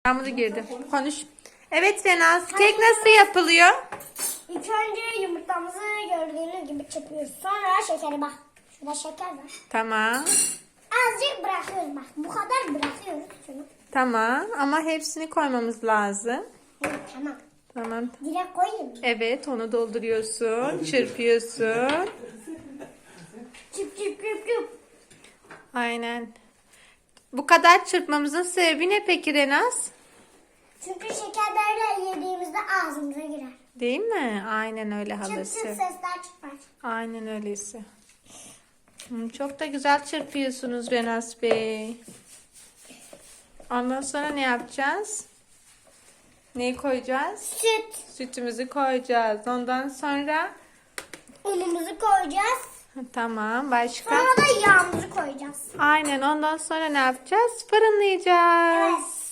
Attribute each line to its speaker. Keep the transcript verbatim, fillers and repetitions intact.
Speaker 1: Yağmuru girdi. Konuş. Evet Renaz, kek nasıl yapılıyor?
Speaker 2: İlk önce yumurtamızı gördüğünüz gibi çırpıyoruz. Sonra şekeri bak. Şurada şeker var.
Speaker 1: Tamam.
Speaker 2: Azıcık bırakıyoruz bak. Bu kadar bırakıyoruz şunu.
Speaker 1: Tamam ama hepsini koymamız lazım.
Speaker 2: Evet, tamam.
Speaker 1: Tamam.
Speaker 2: Direkt koyayım.
Speaker 1: Evet, onu dolduruyorsun, çırpıyorsun.
Speaker 2: Çıp çıp çıp çıp.
Speaker 1: Aynen. Bu kadar çırpmamızın sebebi ne peki Renaz?
Speaker 2: Çünkü şeker böyle yediğimizde ağzımıza girer.
Speaker 1: Değil mi? Aynen öyle
Speaker 2: Çıp çıp
Speaker 1: halası.
Speaker 2: sesler çıkar.
Speaker 1: Aynen öyleyse. Hmm, Çok da güzel çırpıyorsunuz Renaz Bey. Ondan sonra ne yapacağız? Neyi koyacağız?
Speaker 2: Süt.
Speaker 1: Sütümüzü koyacağız. Ondan sonra
Speaker 2: Unumuzu koyacağız.
Speaker 1: tamam, başka?
Speaker 2: Sonra da yağımızı koyacağız.
Speaker 1: Aynen, ondan sonra ne yapacağız? Fırınlayacağız.
Speaker 2: Evet.